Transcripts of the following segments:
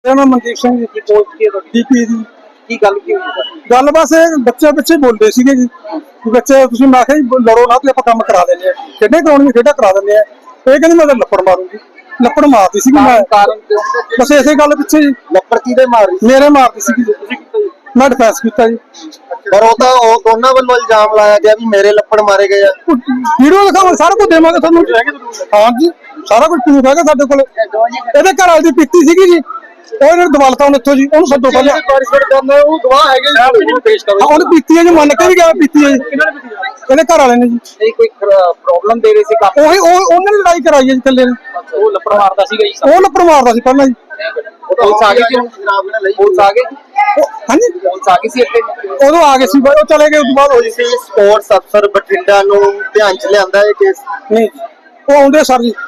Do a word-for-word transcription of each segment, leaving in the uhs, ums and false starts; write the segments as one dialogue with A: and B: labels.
A: मैं मनदीप सिंह जी
B: की पोस्ट की है तो
A: डीपी जी
B: की गल की हुई
A: गल बस ਇਹ ਬੱਚੇ ਪਿੱਛੇ ਬੋਲਦੇ ਸੀਗੇ ਜੀ ਕਿ ਬੱਚੇ ਤੁਸੀਂ ਮੈਂ ਕਿਹਾ ਜੀ ਲੜੋ ਨਾ ਤੇ ਆਪਾਂ ਕੰਮ ਕਰਾ ਦਿੰਦੇ ਆ ਖੇਡੇ ਕਰਾਉਣੀ ਖੇਡਾ ਕਰਾ ਦਿੰਦੇ ਆ ਇਹ ਕਹਿੰਦੀ ਮੈਂ ਤਾਂ ਲੱਪੜ ਮਾਰੂੰਗੀ ਲੱਪੜ ਮਾਰਦੀ ਸੀਗੀ ਮੈਂ
B: ਕਾਰਨ
A: ਬਸ ਇਸੇ ਗੱਲ ਪਿੱਛੇ ਜੀ
B: ਲੱਪੜ ਕਿਹਦੇ ਮਾਰੀ
A: ਮੇਰੇ ਮਾਰਦੀ ਸੀਗੀ ਜੀ ਮੈਂ ਡਿਫੈਂਸ ਕੀਤਾ ਜੀ
B: ਪਰ ਉਹ ਤਾਂ ਉਹ ਦੋਨਾਂ ਵੱਲੋਂ ਇਲਜ਼ਾਮ ਲਾਇਆ ਗਿਆ ਵੀ ਮੇਰੇ ਲੱਪੜ ਮਾਰੇ ਗਏ ਆ
A: ਵੀਡੀਓ ਦਿਖਾਵਾਂ ਸਾਰਾ ਕੁਝ ਦੇਵਾਂਗੇ ਤੁਹਾਨੂੰ ਹਾਂ ਜੀ ਸਾਰਾ ਕੁਝ ਪ੍ਰੂਫ ਹੈਗਾ ਸਾਡੇ ਕੋਲ ਇਹਦੇ ਘਰ ਵਾਲੀ ਦੀ ਪਿੱਤੀ ਸੀਗੀ ਜੀ ਉਹ ਇਹਨਾਂ ਨੂੰ ਦਵਾਲਤਾ ਹੁਣ ਇੱਥੋਂ ਜੀ ਉਹਨੂੰ ਸੱਦੋ ਪਹਿਲਾਂ
B: ਪਾਰਟਿਸਪੇਟ ਕਰਨਾ ਉਹ ਗਵਾਹ ਹੈਗੇ ਜੀ ਪੇਸ਼ ਕਰੋ
A: ਉਹਨੇ ਪੀਤੀ ਹੈ ਜੀ ਮੰਨ ਕੇ ਵੀ ਗਿਆ ਪੀਤੀ ਹੈ ਜੀ ਇਹਦੇ ਘਰ ਵਾਲੇ ਨੇ ਜੀ
B: ਨਹੀਂ ਕੋਈ ਪ੍ਰੋਬਲਮ ਦੇ ਰਹੇ ਸੀ ਕਾਫੀ
A: ਉਹੀ ਉਹ ਉਹਨੇ ਲੜਾਈ ਕਰਾਈ ਹੈ ਜੀ ਇਕੱਲੇ ਨੇ
B: ਉਹ ਲੱਪੜ ਮਾਰਦਾ ਸੀਗਾ ਜੀ
A: ਉਹ ਲੱਪੜ ਮਾਰਦਾ ਸੀ ਪਹਿਲਾਂ ਜੀ
B: ਪੁਲਿਸ ਆ ਗਈ ਸੀ ਜਨਾਬ ਨੇ ਲਈ ਪੁਲਿਸ ਆ ਗਈ
A: ਹਾਂਜੀ
B: ਪੁਲਿਸ ਆ ਗਈ ਸੀ ਇੱਥੇ
A: ਉਦੋਂ ਆ ਗਏ ਸੀ ਬਾਈ ਉਹ ਚਲੇ ਗਏ ਉਸ ਤੋਂ ਬਾਅਦ ਹੋਈ
B: ਸੀ ਸਪੋਰਟਸ ਅਫਸਰ ਬਠਿੰਡਾ ਨੂੰ ਧਿਆਨ ਚ ਲਿਆਂਦਾ ਇਹ ਕੇਸ
A: ਨਹੀਂ ਉਹ ਆਉਂਦੇ ਸਰ ਜੀ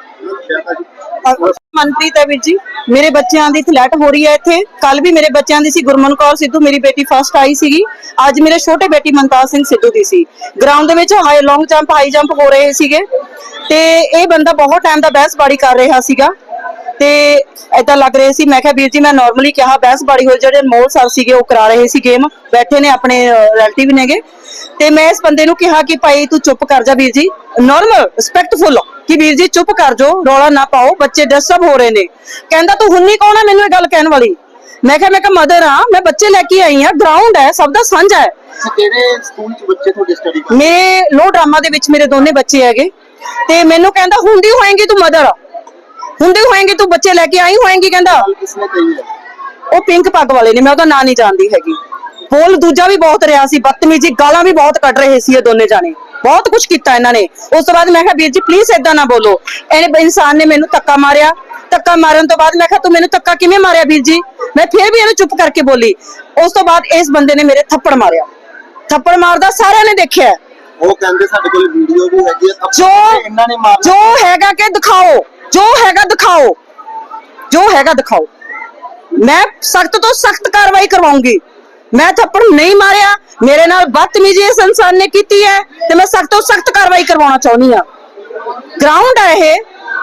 C: मनप्रीत है वीर जी मेरे बच्चों की फ्लैट हो रही है इत्थे कल भी मेरे बच्चों की सी गुरमन कौर सिद्धू मेरी बेटी फर्स्ट आई सी अज मेरे छोटे बेटी मनताज सिंह सिद्धू की सी ग्राउंड दे विच high long jump high jump हो रहे सीगे ते ये बंदा बहुत टाइम दा बहसबाड़ी कर रहा सीगा ते ऐदा लग रहे सी मैं कहा वीर जी मैं नॉर्मली कहा बहसबाड़ी हो जेडे मोल सर सीगे वो करा रहे सी गेम बैठे ने अपने रिलेटिव नेगे ते मैं इस बंदे नूं कहा कि भाई तू चुप कर जा वीर जी नॉर्मल रिस्पैक्टफुल कि वीर जी चुप कर जो रौला ना पाओ बच्चे डिस्टर्ब हो रहे ने कहंदा तू हुन्नी कौन है मैनूं ये गल कहण वाली मैं कहा मैं कहा मदर हां मैं बच्चे लेके आई हां ग्राउंड है सब दा सांझा है
B: ਕਿਹੜੇ ਸਕੂਲ ਚ ਬੱਚੇ ਤੁਹਾਡੇ ਸਟੱਡੀ ਕਰਦੇ
C: मेरे लो ड्रामा दे विच मेरे दोने बच्चे हैगे ते मैनूं कहंदा हुंदी होएगी तू मदर हुंदी होएगी तू बच्चे लेके आई होएगी कहंदा
B: किसने कही है
C: ਉਹ ਪਿੰਕ ਪੱਗ ਵਾਲੇ ਨੇ ਮੈਂ ਉਹਦਾ ਨਾਂ ਨਹੀਂ ਜਾਣਦੀ ਹੈਗੀ ਬੋਲ ਦੂਜਾ ਵੀ ਬਹੁਤ ਰਿਹਾ ਸੀ ਬਦਤਮੀਜ਼ੀ ਗਾਲਾਂ ਵੀ ਬਹੁਤ ਕੱਢ ਰਹੇ ਸੀ ਇਹ ਦੋਨੇ ਜਾਣੇ ਬਹੁਤ ਕੁਝ ਕੀਤਾ ਇਹਨਾਂ ਨੇ ਉਸ ਤੋਂ ਬਾਅਦ ਮੈਂ ਕਿਹਾ ਵੀਰ ਜੀ ਪਲੀਜ਼ ਏਦਾਂ ਨਾ ਬੋਲੋ ਇਹਨੇ ਇਨਸਾਨ ਨੇ ਮੈਨੂੰ ਧੱਕਾ ਮਾਰਿਆ ਧੱਕਾ ਮਾਰਨ ਤੋਂ ਬਾਅਦ ਮੈਂ ਕਿਹਾ ਤੂੰ ਮੈਨੂੰ ਧੱਕਾ ਕਿਵੇਂ ਮਾਰਿਆ ਵੀਰ ਜੀ ਮੈਂ ਫਿਰ ਵੀ ਇਹਨੂੰ ਚੁੱਪ ਕਰਕੇ ਬੋਲੀ ਉਸ ਤੋਂ ਬਾਅਦ ਇਸ ਬੰਦੇ ਨੇ ਮੇਰੇ ਥੱਪੜ ਮਾਰਿਆ ਥੱਪੜ ਮਾਰਦਾ ਸਾਰਿਆਂ ਨੇ ਦੇਖਿਆ
B: ਉਹ ਕਹਿੰਦੇ ਸਾਡੇ ਕੋਲ ਵੀਡੀਓ ਵੀ ਹੈਗੀ ਹੈ
C: ਜੋ
B: ਇਹਨਾਂ ਨੇ ਮਾਰ
C: ਜੋ ਹੈਗਾ ਕਿ ਦਿਖਾਓ ਜੋ ਹੈਗਾ ਦਿਖਾਓ ਜੋ ਹੈਗਾ ਦਿਖਾਓ मैं सख्त तो सख्त कार्रवाई करवाऊंगी मैं थप्पड़ नहीं मारिया मेरे नाल बदतमीजी इस इंसान ने की है ते मैं सख्त तो सख्त कार्रवाई करवाना चाहनी हां ग्राउंड है ये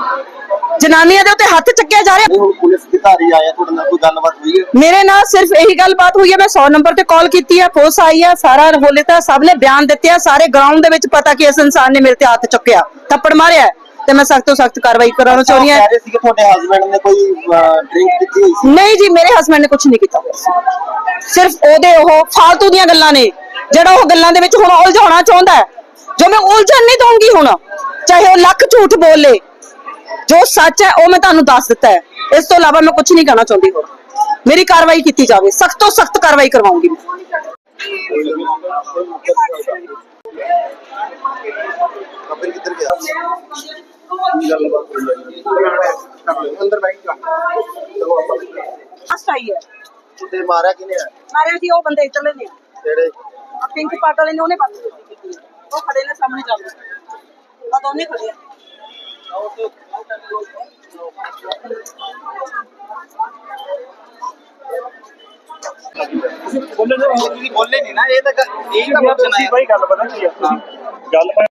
C: जनानियां दे उत्ते हाथ चक्किया जा रहा
B: पुलिस अधिकारी आया ਤੁਹਾਡੇ ਨਾਲ ਕੋਈ ਗੱਲਬਾਤ ਹੋਈ ਹੈ
C: मेरे नाल सिर्फ यही गलबात हुई है मैं सौ नंबर ते कॉल की है पुलिस आई है सारा होले ता सब ने बयान दिते हैं सारे ग्राउंड दे विच पता कि इस इंसान ने मेरे ते हाथ चुक्या थप्पड़ मारिया ਤੇ ਮੈਂ ਸਖਤ ਤੋਂ ਸਖਤ ਕਾਰਵਾਈ ਕਰਾਉਣਾ ਚਾਹੁੰਦੀ ਹਾਂ
B: ਕਹਿ ਰਹੇ ਸੀ ਕਿ ਤੁਹਾਡੇ ਹਸਬੰਡ ਨੇ ਕੋਈ ਡਰਿੰਕ ਕੀਤੀ ਹੋਈ ਸੀ
C: ਨਹੀਂ ਜੀ ਮੇਰੇ ਹਸਬੰਡ ਨੇ ਕੁਝ ਨਹੀਂ ਕੀਤਾ ਸਿਰਫ ਉਹਦੇ ਉਹ ਫालतू ਦੀਆਂ ਗੱਲਾਂ ਨੇ ਜਿਹੜਾ ਉਹ ਗੱਲਾਂ ਦੇ ਵਿੱਚ ਹੁਣ ਉਲਝਾਉਣਾ ਚਾਹੁੰਦਾ ਹੈ ਜੋ ਮੈਂ ਉਲਝਣ ਨਹੀਂ ਦਊਂਗੀ ਹੁਣ ਚਾਹੇ ਉਹ ਲੱਖ ਝੂਠ ਬੋਲੇ ਜੋ ਸੱਚ ਹੈ ਉਹ ਮੈਂ ਤੁਹਾਨੂੰ ਦੱਸ ਦਿੱਤਾ ਹੈ ਇਸ ਤੋਂ ਇਲਾਵਾ ਮੈਂ ਕੁਝ ਨਹੀਂ ਕਹਿਣਾ ਚਾਹੁੰਦੀ ਹੋਰ ਮੇਰੀ ਕਾਰਵਾਈ ਕੀਤੀ ਜਾਵੇ ਸਖਤ ਤੋਂ ਸਖਤ ਕਾਰਵਾਈ ਕਰਵਾਉਂਗੀ
B: ਕਬਰ ਕਿੱਧਰ ਗਿਆ ਅੰਦਰ ਬੈਠ ਜਾ ਚਲੋ ਆਪਾਂ
C: ਫਸਟ ਆਈ ਹੈ
B: ਤੇ ਮਾਰਿਆ ਕਿਨੇ ਆ
C: ਮਾਰਿਆ ਜੀ ਉਹ ਬੰਦੇ ਚੱਲੇ ਨੇ
B: ਜਿਹੜੇ
C: ਆ ਪਿੰਕ ਪਾਟ ਵਾਲੇ ਨੇ ਉਹਨੇ ਬਾਤ ਕੀਤੀ ਉਹ ਖੜੇ ਨੇ ਸਾਹਮਣੇ ਚੱਲਦੇ ਆ ਦੋਨੇ ਖੜੇ ਆ
B: ਬੋਲੇ ਨਹੀਂ ਨਾ ਇਹ ਤਾਂ ਇਹ ਤਾਂ
D: ਭਾਈ ਗੱਲ ਪਤਾ ਕੀ ਆ ਗੱਲ